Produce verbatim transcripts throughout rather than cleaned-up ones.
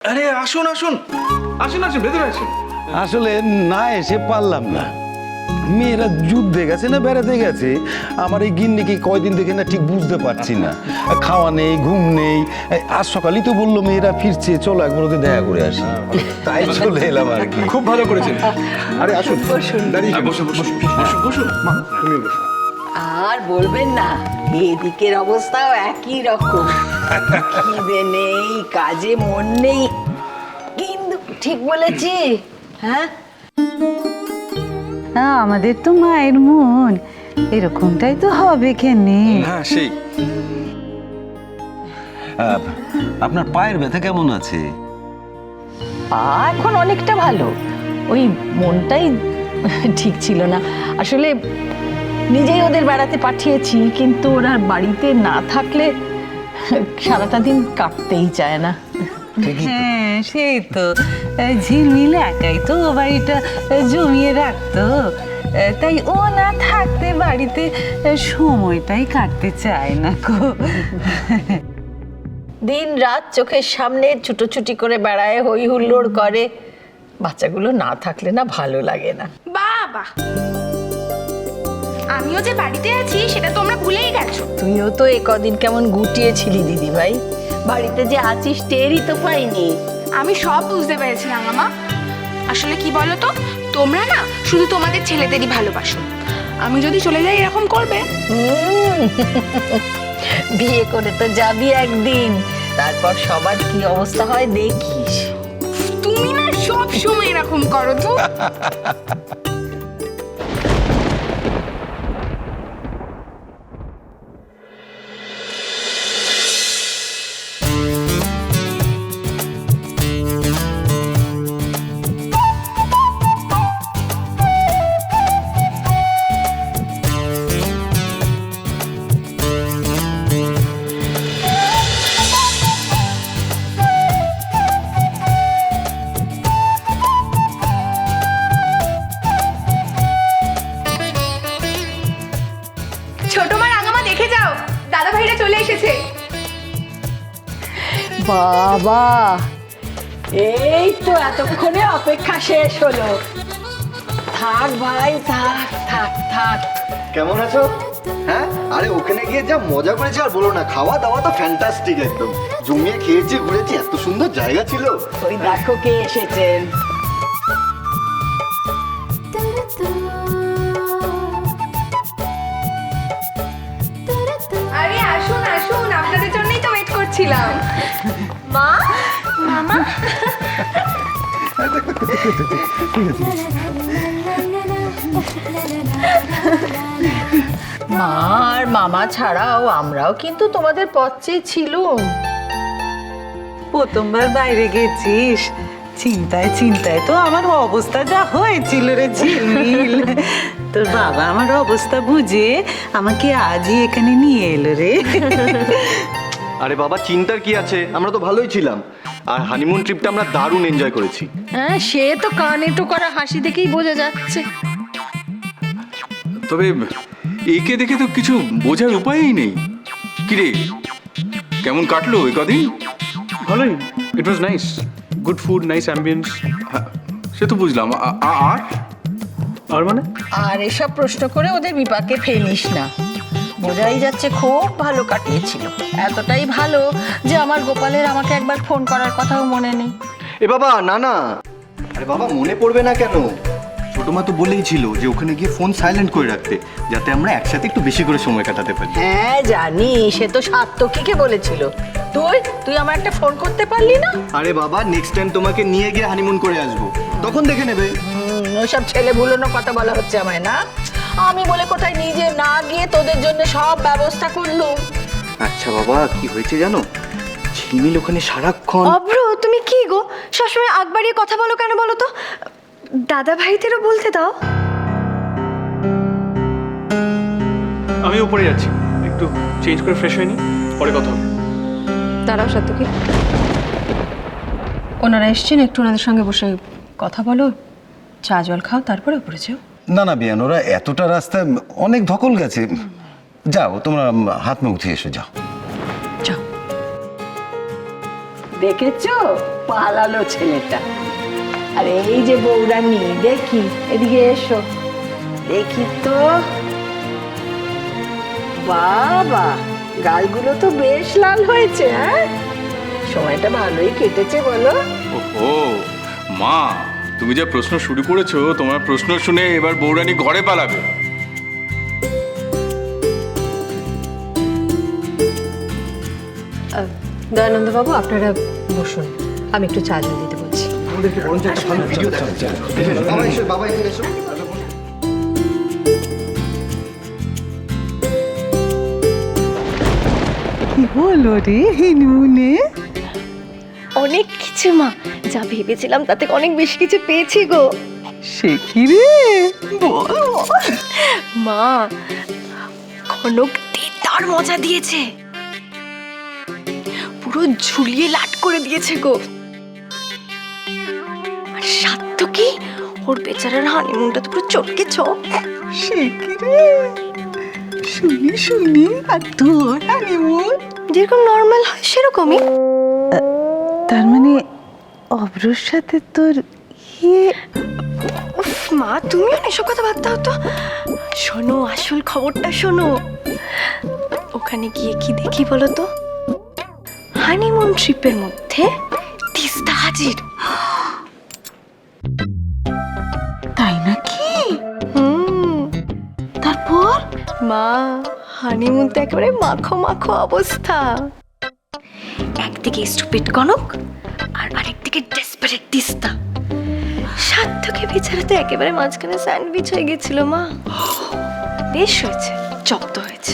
আরে আসুন আসুন আসুন আসুন ভেতরে আসুন। আসলে না এসে পারলাম না, মেয়েরা যুদ্ধে গেছে না বেড়াতে গেছে, আমার এই গিন্নিকে কয়দিন দেখে না ঠিক বুঝতে পারছি না, খাওয়া নেই ঘুম নেই। আজ সকালেই তো বললো মেয়েরা ফিরছে, চলো একবার ওদের দেখা করে আসি, তাই চলে এলাম আর কি। খুব ভালো করেছেন। আরে আসুন দাঁড়িয়ে বসুন বসুন বসুন বসুন মা তুমি বসুন। আর বলবেন না, এদিকের অবস্থাও একই রকম, খিদে নেই কাজে মন নেই, কিন্তু ঠিক বলেছি হ্যাঁ। আমাদের তো মায়ের মন এরকমটাই তো হবে কেনে। হ্যাঁ সেই। আপনার পায়ের ব্যথা কেমন আছে? এখন অনেকটা ভালো, ওই মনটাই ঠিক ছিল না আসলে। নিজেই ওদের বেড়াতে পাঠিয়েছি, কিন্তু ওরা বাড়িতে না থাকলে সারাটা দিন কাটতেই চায় না। হ্যাঁ সেই তো, ঝিলমিল একাই তো বাড়িটা জমিয়ে রাখতো, তাই ও না থাকতে বাড়িতে সময়টাই কাটতে চায় না গো। দিন রাত চোখের সামনে ছুটোছুটি করে বেড়ায়, হই হুল্লোড় করে, বাচ্চাগুলো না থাকলে না ভালো লাগে না। বাবা, আমিও যে বাড়িতে আছি সেটা তোমরা ভুলেই গেছো। তুইও তো এ কদিন কেমন গুটিয়েছিলি দিদি ভাই, বাড়িতে যে আছিস টেরই তো পাইনি। আমি সব বুঝতে পেরেছিলাম মামা। আসলে কি বলো তো, তোমরা না শুধু তোমাদের ছেলেদেরই ভালোবাসো। আমি যদি চলে যাই এরকম করবে? হুম, বিয়ে করে তো যাবি একদিন, তারপর সবার কি অবস্থা হয় দেখিস। তুমি না সব সময় এরকম করো তো। ছোট মা রাঙামা দেখে যাও, দাদা ভাইরা চলে এসেছে। বাবা, এই তো এতক্ষণে অপেক্ষা শেষ হলো। থাক ভাই থাক থাক থাক। কেমন আছো? হ্যাঁ, আরে ওখানে গিয়ে যা মজা করেছি আর বলো না, খাওয়া দাওয়া তো ফ্যান্টাস্টিক, একদম জমিয়ে খেয়েছি ঘুরেছি, এত সুন্দর জায়গা ছিল। ওই দেখো কে এসেছেন। আরে আসুন আসুন, আপনাদের জন্যই তো ওয়েট করছিলাম। মা, মামা, মা আর মামা ছাড়াও আমরাও কিন্তু তোমাদের পথ চেয়ে ছিলুম। প্রথমবার বাইরে গেছিস, চিন্তায় চিন্তায় তো আমার অবস্থা যা হয়েছিল রে ঝিলমিল। তোর বাবা আমার অবস্থা বুঝে আমাকে আজই এখানে নিয়ে এলো রে। আরে বাবা, চিন্তার কি আছে, আমরা তো ভালোই ছিলাম, আর হানিমুন ট্রিপটা আমরা দারুণ এনজয় করেছি। হ্যাঁ সে তো কান এঁটো করা হাসি দেখেই বোঝা যাচ্ছে। তবে একে দেখে তো কিছু বোঝার উপায়ই নেই। কিরে কেমন কাটলো এই কদিন? ভালোই, it was nice, good food, nice ambience. হ্যাঁ, সে তো বুঝলাম। আ- আ- আর আর মানে আর এসব প্রশ্ন করে ওদের বিপাকে ফেলিস না, বোঝাই যাচ্ছে খুব ভালো কাটিয়েছিল। এতটাই ভালো যে আমার গোপালের আমাকে একবার ফোন করার কথাও মনে নেই। এ বাবা না না, আরে বাবা মনে পড়বে না কেন? ছোট মা তো বলেই ছিল যে ওখানে গিয়ে ফোন সাইলেন্ট করে রাখতে, যাতে আমরা একসাথে একটু বেশি করে সময় কাটাতে পারি। হ্যাঁ জানি, সে তো সাত্তকীকে বলেছিল। তুই তুই আমার একটা ফোন করতে পারলি না? আরে বাবা, নেক্সট টাইম তোমাকে নিয়ে গিয়ে হানিমুন করে আসবো, তখন দেখে নেবে। হুম, ওইসব ছেলে ভুলোনো কথা বলা হচ্ছে আমায় না। আমি বলে কোথায় নিজে না গিয়ে তোদের জন্য সব ব্যবস্থা করলুম। আচ্ছা বাবা, কি হয়েছে জানো, ঝিলমিল ওখানে সারাক্ষণ। অভ্র, তুমি কি গো সবসময় আগ বাড়িয়ে কথা বলো কেন বলো তো? দাদা ভাইদেরও বলতে দাও। আমি উপরে যাচ্ছি, একটু চেঞ্জ করে ফ্রেশ হয়নি, পরে কথা হবে। দাঁড়াও সাত্তকী, ওনারা এসছেন, একটু ওনাদের সঙ্গে বসে কথা বলো, চা জল খাও, তারপরে উপরে যাও। না না বিয়ান, ওরা এতটা রাস্তায় অনেক ধকল গেছে, যাও তোমরা হাত মুখ ধুয়ে এসো, যাও। যাও। দেখেছো পালালো ছেলেটা। আর এই যে বৌরানী, দেখি এদিকে এসো, দেখি তো। বাবা, গালগুলো তো বেশ লাল হয়েছে। হ্যাঁ, সময়টা ভালোই কেটেছে বলো। ওহো মা, তুমি যা প্রশ্ন শুরু করেছো, তোমার প্রশ্ন শুনে এবার বৌরানী ঘরে পালাবে। দয়ানন্দবাবু, আপনারা বসুন, আমি একটু চা জল দিতে বলছি। বাবা এসো, বাবা এখানে এসো। কি হলো রে হিনুনে? অনেক কিছু মা, যা ভেবেছিলাম তাতে অনেক বেশি কিছু পেয়েছি গো। সে কি রে, বল বল। মা, কনক তার মজা দিয়েছে, পুরো ঝুলিয়ে লাট করে দিয়েছে গো। আর সাধ্য কি, ওর বেচারার হানিমুনটা তো পুরো চটকে চপ। সে কি রে, শুনি শুনি। আর তোর হানিমুন? যেরকম নর্মাল হয় সেরকমই। তার মানে অব্রর সাথে তোর ইয়ে? উফ মা, তুমিও না এসব কথা ভাবতে হতো। শোনো, আসল খবরটা শোনো। ওখানে গিয়ে কি দেখি বলো তো, হানিমুন ট্রিপের মধ্যে তিস্তা হাজির। তাই নাকি? হুম, তারপর? মা, হানিমুন তো একেবারে মাখো মাখো অবস্থা। একদিকে স্টুপিড কনক আর আরেকদিকে ডেসপারেট তিস্তা। সাধ্যকে বেচারা তো একেবারে মাঝখানে স্যান্ডউইচ হয়ে গেছিল মা। বেশ হয়েছে, জব্দ হয়েছে।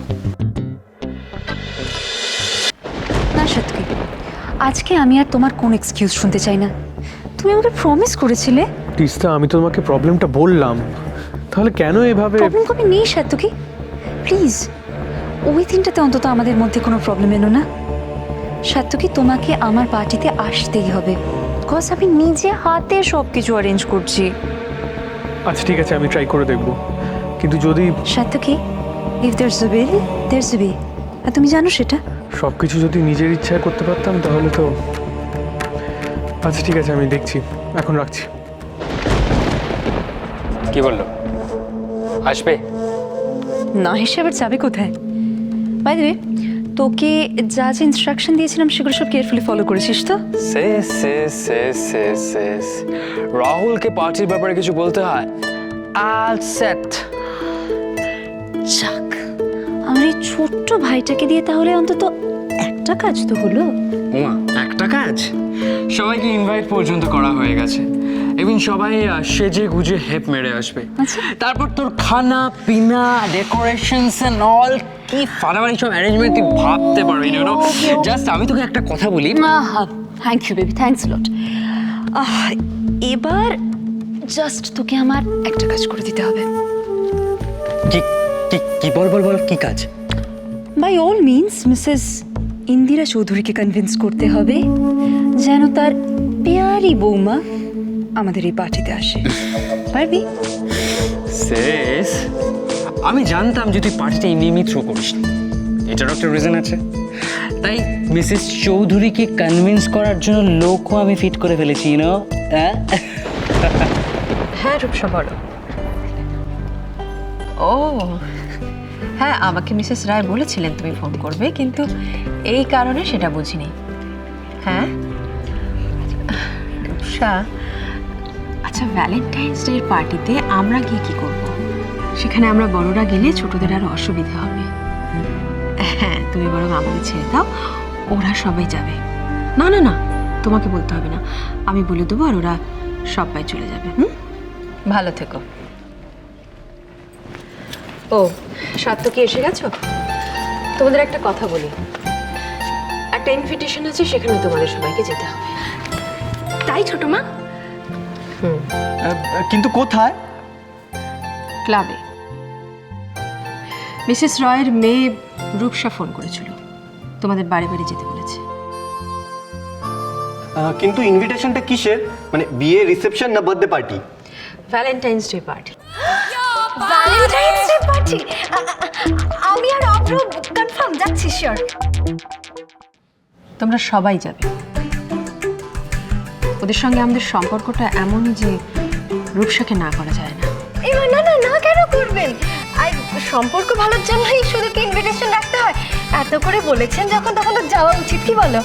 না সাতকি, আজকে আমি আর তোমার কোন এক্সকিউজ শুনতে চাই না। তুমি আমাকে প্রমিস করেছিলে। তিস্তা, আমি তো তোমাকে প্রবলেমটা বললাম, তাহলে কেন এভাবে? প্রবলেম কবে নেই সাতকি, প্লিজ ওই দিনটাতে অন্তত আমাদের মধ্যে কোনো প্রবলেম এলো না। সাতকি, তোমাকে আমার পার্টিতে আসতেই হবে, বিকজ আমি নিজে হাতে সব কিছু অ্যারেঞ্জ করছি। আচ্ছা ঠিক আছে, আমি ট্রাই করে দেখবো, কিন্তু যদি Satyaki, if there's a will there's a way, আর তুমি জানো সেটা। সব কিছু যদি নিজের ইচ্ছায় করতে পারতাম তাহলে তো। আচ্ছা ঠিক আছে, আমি দেখছি, এখন রাখছি। কি বললো, আসবে? না হিসেবে যাবে কোথায়? বাই দ্য ওয়ে, তোকে যা যা ইনস্ট্রাকশন দিয়েছিলাম সেগুলো সব কেয়ারফুলি ফলো করেছিস তো? শেষ শেষ শেষ শেষ শেষ রাহুলকে পার্টির ব্যাপারে কিছু বলতে হয়? All set. যাক, আমার এই ছোট্ট ভাইটাকে দিয়ে তাহলে অন্তত একটা কাজ তো হলো। ওমা, একটা কাজ? সবাইকে ইনভাইট পর্যন্ত করা হয়ে গেছে, এবং সবাই আহ, সেজে গুজে হেপ মেরে আসবে। আচ্ছা। তারপর তোর খানা পিনা ডেকোরেশনস এন্ড অল, কি ফাটাফাটি সব অ্যারেঞ্জমেন্ট তুই ভাবতে পারবি না। জাস্ট আমি তোকে একটা কথা বলি। Thank you baby, thanks lot. এবার জাস্ট তোকে আমার একটা কাজ করে দিতে হবে। কি কি কি বল বল বল, কি কাজ? By all means Mrs Indira চৌধুরীকে কনভিন্স করতে হবে যেন তার পেয়ারি বৌমা আমাদের এই পার্টিতে আসে। পারবি? শেষ, আমি জানতাম যে তুই পার্টিটা এমনি থ্রো করিস না, এটারও একটা রিজন আছে। তাই মিসেস চৌধুরীকে কনভিন্স করার জন্য লোকও আমি ফিট করে ফেলেছি, ইউনো। হ্যাঁ হ্যাঁ রূপসা, বলো। ও হ্যাঁ, আমাকে মিসেস রায় বলেছিলেন তুমি ফোন করবে, কিন্তু এই কারণে সেটা বুঝিনি। হ্যাঁ রূপসা, আচ্ছা ভ্যালেন্টাইন্স ডের পার্টিতে আমরা গিয়ে কি করব? সেখানে আমরা বড়রা গেলে ছোটদের আরো অসুবিধা হবে। হ্যাঁ, তুমি বরং আমাদের ছেড়ে দাও, ওরা সবাই যাবে। না না না, তোমাকে বলতে হবে না, আমি বলে দেবো আর ওরা সবাই চলে যাবে। হুম, ভালো থেকো। ও সাত্তকি, এসে গেছো? তোমাদের একটা কথা বলি, একটা ইনভিটেশন আছে, সেখানে তোমাদের সবাইকে যেতে হবে। তাই ছোট মা? কিন্তু কোথায়? ক্লাবে। মিসেস রয়ের মেয়ে রূপসা ফোন করেছিল, তোমাদের বাড়ি বাড়ি যেতে বলেছে। আহ, কিন্তু ইনভিটেশনটা কিসের? মানে বিয়ে, রিসেপশন না birthday party? Valentine's day party. Valentine's day party? আমি আর অব্র কনফার্ম যাচ্ছি, শিওর। তোমরা সবাই যাবে। ওদের সঙ্গে আমাদের সম্পর্কটা এমন যে রূপসাকে না করা যায় না। এবার না না না কেন করবেন? আর সম্পর্ক ভালোর জন্যই শুধু কি ইনভিটেশন রাখতে হয়? এত করে বলেছেন যখন, তখন তো যাওয়া উচিত, কি বলো?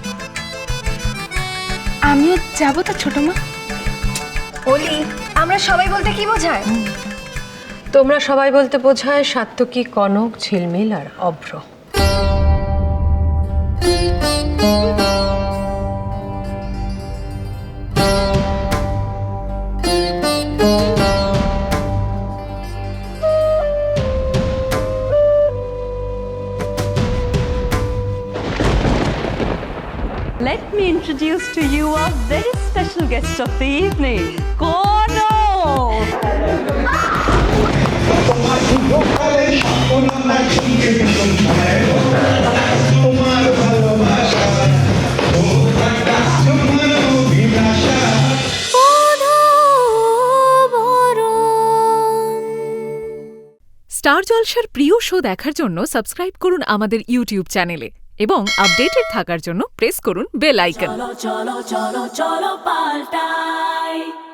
আমিও যাবো তো ছোট মা। ওলি, আমরা সবাই বলতে কি বোঝায়? তোমরা সবাই বলতে বোঝায় সাত্তকী, কনক, ঝিলমিল আর Abhra. Let me introduce to you a very special guest of the evening, Kono! Star জলসার প্রিয় শো দেখার জন্য সাবস্ক্রাইব করুন আমাদের ইউটিউব চ্যানেলে এবং আপডেটেড থাকার জন্য প্রেস করুন বেল আইকন। চলো চলো চলো চলো পাল্টাই।